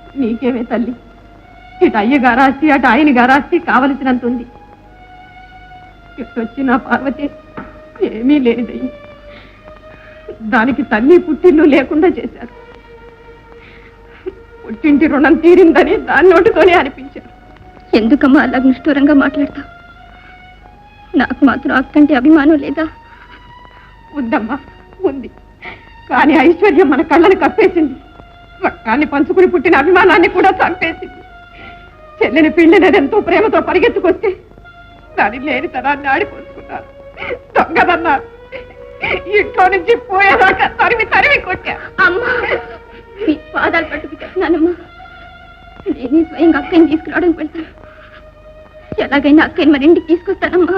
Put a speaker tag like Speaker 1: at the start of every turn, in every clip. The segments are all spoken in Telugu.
Speaker 1: నీకేమే తల్లి, ఇటు అయ్యగారాస్తి అటు ఆయన గారాస్తి కావలసినంత ఉంది. ఎట్టొచ్చిన పార్వతి ఏమీ లేదయ్యి. దానికి తల్లి పుట్టిల్లు లేకుండా చేశారు. పుట్టింటి రుణం తీరిందని దాని నోటితోనే అనిపించారు.
Speaker 2: ఎందుకమ్మా అలా నిష్ఠూరంగా మాట్లాడతావు? నాకు మాత్రం అక్కంటే అభిమానం లేదా?
Speaker 1: ఉందమ్మా, ఉంది. కానీ ఐశ్వర్యం మన కళ్ళని కప్పేసింది. రక్తాన్ని పంచుకుని పుట్టిన అభిమానాన్ని కూడా చంపేసింది. చెల్లిని పిండినదెంతో ప్రేమతో పరిగెత్తుకొస్తే దాని లేని తనాన్ని ఆడిపోసుకున్నారు. దొంగదన్నారు. ఇంట్లో నుంచి పోయేదాకా తరిమి తరిమి కొట్టా.
Speaker 2: అమ్మా, మీ పాదాలు పట్టుకు చెప్తున్నానమ్మా. నేనే స్వయంగా అక్కని తీసుకురావడానికి వెళ్తాను. ఎలాగైనా అక్కని మరి ఇంటికి తీసుకొస్తానమ్మా.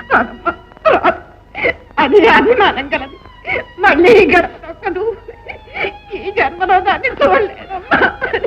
Speaker 1: అది అభిమానం కలదు. మళ్ళీ ఈ గడప దొక్కదు. ఈ జన్మలో దాన్ని చూడలేదమ్మా.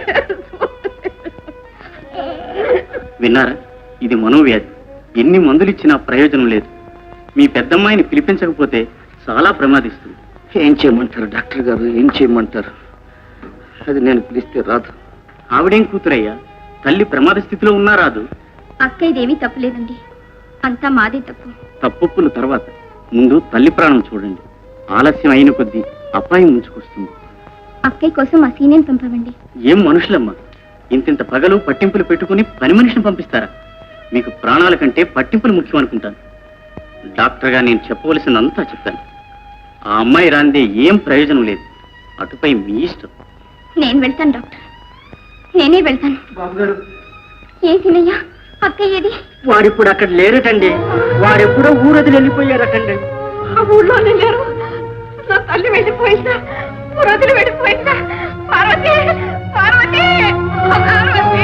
Speaker 3: విన్నారా? ఇది మనోవ్యాధి. ఎన్ని మందులు ఇచ్చినా ప్రయోజనం లేదు. మీ పెద్దమ్మాయిని పిలిపించకపోతే చాలా ప్రమాదిస్తుంది.
Speaker 4: ఏం చేయమంటారు డాక్టర్ గారు, ఏం చేయమంటారు? అది నేను పిలిస్తే రాదు.
Speaker 3: ఆవిడేం కూతురయ్యా, తల్లి ప్రమాద స్థితిలో ఉన్నా రాదు.
Speaker 2: అక్క ఇదేమీ తప్పులేదండి, అంతా మాదే తప్పు.
Speaker 3: తప్పుల తర్వాత ముందు తల్లి ప్రాణం చూడండి. ఆలస్యం అయిన కొద్దీ అపాయం ముంచుకొస్తుంది.
Speaker 2: అక్కయ్య కోసం ఆ సీనియర్ పంపవండి.
Speaker 3: ఏం మనుషులమ్మా, ఇంతింత పగలు పట్టింపులు పెట్టుకుని పని మనిషిని పంపిస్తారా? మీకు ప్రాణాల కంటే పట్టింపులు ముఖ్యం అనుకుంటాను. డాక్టర్గా నేను చెప్పవలసిందంతా చెప్తాను. ఆ అమ్మాయి రాందే ఏం ప్రయోజనం లేదు. అటుపై మీ ఇష్టం.
Speaker 2: నేను వెళ్తాను డాక్టర్, నేనే వెళ్తాను. ఏ సీనయ్య, అక్కయ్య ఏది?
Speaker 4: వాడిప్పుడు అక్కడ లేరటండి. వాడెప్పుడో ఊరది వెళ్ళిపోయారటండి.
Speaker 1: ఆ ఊళ్ళోనే లేరు. నా తల్లి వెళ్ళిపోయిందా? పురోధులు వెళ్ళిపోయిందా? పార్వతి, పార్వతి, పార్వతి,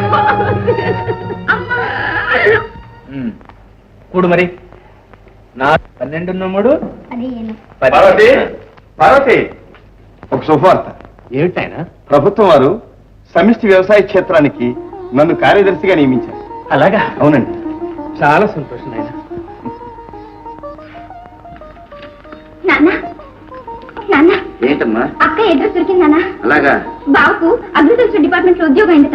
Speaker 5: కూడు మరి. నా 12 3
Speaker 2: అదే
Speaker 6: పార్వతి, పార్వతి, ఒక శుభవార్త.
Speaker 5: ఏమిటాయన?
Speaker 6: ప్రభుత్వం వారు సమిష్టి వ్యవసాయ క్షేత్రానికి నన్ను కార్యదర్శిగా నియమించారు.
Speaker 5: అలాగా?
Speaker 6: అవునండి.
Speaker 5: చాలా సంతోషం నాయన.
Speaker 2: నాన్న, నాన్న,
Speaker 4: ఏంటమ్మా?
Speaker 2: అక్క అడ్రస్ దొరికింది నాన్న.
Speaker 4: అలాగా?
Speaker 2: బాబుకు అగ్రికల్చర్ డిపార్ట్మెంట్ లో ఉద్యోగం అయిందట.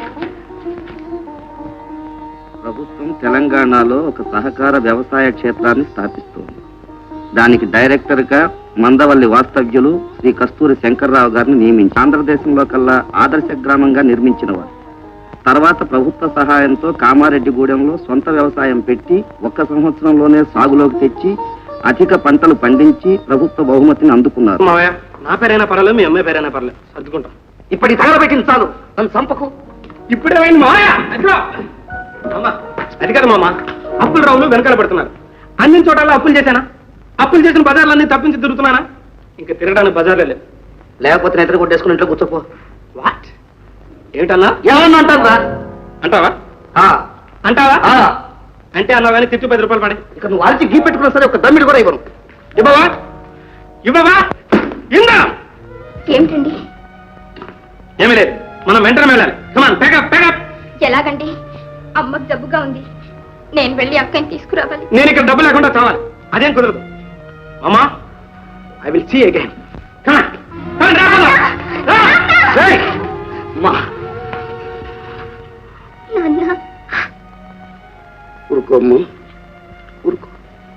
Speaker 4: ప్రభుత్వం తెలంగాణలో ఒక సహకార వ్యవసాయ క్షేత్రాన్ని స్థాపిస్తోంది. దానికి డైరెక్టర్ గా మందవల్లి వాస్తవ్యులు శ్రీ కస్తూరి శంకర్రావు గారిని నియమించి ఆంధ్రదేశంలో కల్లా ఆదర్శ గ్రామంగా నిర్మించిన వారు. తర్వాత ప్రభుత్వ సహాయంతో కామారెడ్డిగూడెంలో సొంత వ్యవసాయం పెట్టి 1 సంవత్సరంలోనే సాగులోకి తెచ్చి అధిక పంటలు పండించి ప్రభుత్వ బహుమతిని అందుకున్నారు.
Speaker 5: మావయ్య, నా పేరైనా పర్వాలేదు, మీ అమ్మాయి పేరైనా పర్లేదు, సర్దుకుంటాం.
Speaker 4: ఇప్పటి తగలబెట్టింది చాలు, నన్ను చంపకు.
Speaker 5: ఇప్పుడేమైంది మావయ్య? అది కదా మామ, అప్పులు రావులు వెనకాల పడుతున్నారు. అన్ని చోట్ల అప్పులు చేశానా? అప్పులు చేసిన బజార్లన్నీ తప్పించి తిరుగుతున్నానా? ఇంకా తిరగడానికి బజార్లే లేదు.
Speaker 4: లేకపోతే నిద్ర కొట్టేసుకుని ఇంట్లో కూర్చోపో.
Speaker 5: వాట్? ఏమిటన్నా?
Speaker 4: ఏమన్నా అంటారా?
Speaker 5: అంటావా? అంటావా? అంటే అన్నా కానీ తిప్పి 10 రూపాయలు పడే.
Speaker 4: ఇక నువ్వు అరిచి గీ పెట్టుకున్నా సరే ఒక దమ్మిడి కూడా ఇవ్వను.
Speaker 5: ఇవ్వవా? ఇవ్వవా? ఇందా
Speaker 2: ఏమిటండి?
Speaker 5: ఏమీ లేదు, మనం వెంటనే వెళ్ళాలి. Come on, pack up pack up.
Speaker 2: ఎలాగండి? అమ్మకు జబ్బుగా ఉంది, నేను వెళ్ళి అక్కని తీసుకురావాలి.
Speaker 5: నేను ఇక్కడ డబ్బు లేకుండా చావాలి, అదేం కుదరదు. అమ్మా, ఐ విల్ సీ అగైన్.
Speaker 4: ఊరుకోమ్మ, ఊరుకో.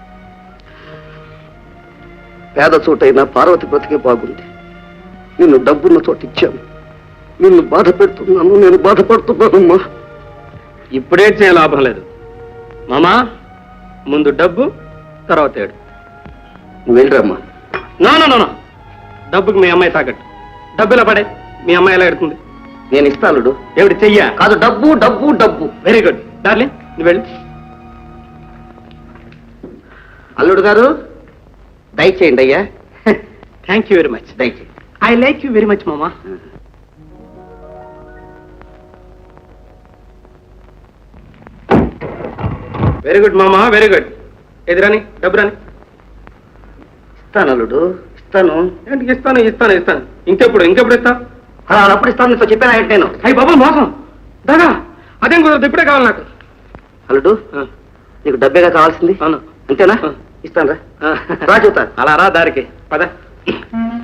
Speaker 4: పేద చోటైనా పార్వతి బ్రతికే బాగుంది. నిన్ను డబ్బున్న చోట ఇచ్చాను. నిన్ను బాధ పెడుతున్నాను, నేను బాధపడుతున్నానమ్మా.
Speaker 5: ఇప్పుడే చేయ లాభం లేదు మామా. ముందు డబ్బు, తర్వాత ఏడు.
Speaker 4: నువ్వు వెళ్ళరమ్మా.
Speaker 5: నో నో నో, డబ్బుకి మీ అమ్మాయి తాకట్టు. డబ్బు ఇలా పడే, మీ అమ్మాయి ఎలా ఎడుతుంది?
Speaker 4: నేను ఇస్తాను.
Speaker 5: ఏమిటి చెయ్యా?
Speaker 4: కాదు, డబ్బు డబ్బు డబ్బు.
Speaker 5: వెరీ గుడ్ డార్లింగ్, నువ్వు వెళ్ళి.
Speaker 4: అల్లుడు గారు, దయచేయండి అయ్యా.
Speaker 5: Thank you very much.
Speaker 4: దయచేయండి.
Speaker 5: I like you very much మామా. వెరీ గుడ్ మామా, వెరీ గుడ్. ఎదురాని డబ్బు రాని.
Speaker 4: ఇస్తాను అల్లుడు, ఇస్తాను.
Speaker 5: ఏంటి ఇస్తాను ఇస్తాను ఇస్తాను? ఇంకెప్పుడు ఇస్తా?
Speaker 4: అప్పుడు ఇస్తాను, నీతో చెప్పాను ఏంటి నేను?
Speaker 5: అయ్యి బాబా, మోసం దాదా, అదేం కుదరదు, ఇప్పుడే కావాలి నాకు.
Speaker 4: అల్లుడు, నీకు డబ్బేగా కావాల్సింది?
Speaker 5: అవును.
Speaker 4: అంతేనా? ఇస్తాను రా.
Speaker 5: అలా రా దారికి పద.